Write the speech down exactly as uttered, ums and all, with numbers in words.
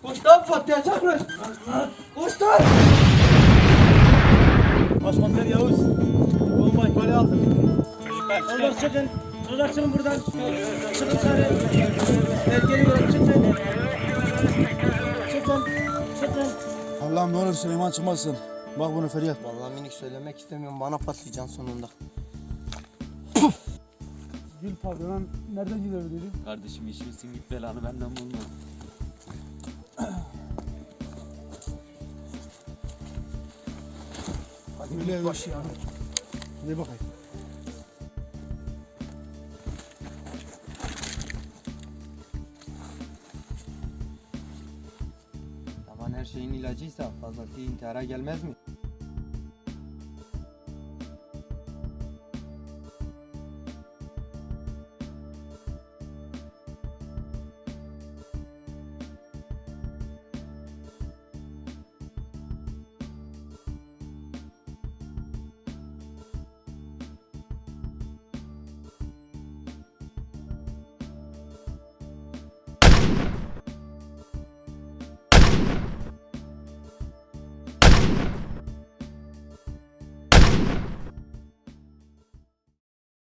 Koş lan Fatih'e çağırır. Koş lan. Başkomiser Yavuz. Bomba ihbali aldım. Çocuklar çıkın. Çocuklar çıkın buradan. Çıkın dışarı. Geliyorum çıkın. Çıkın. Çıkın. Allah'ım ne olur Süleyman çıkmasın. Bak bunu feryat. Vallahi minik söylemek istemiyorum. Bana patlayacaksın sonunda. Gül pavyona nereden gidiyor dedi? Kardeşim işimsin git belanı benden bulma. Hadi öyle baş ya. Hadi bakayım. Yaman her şeyin ilacıysa fazlası intihara gelmez mi?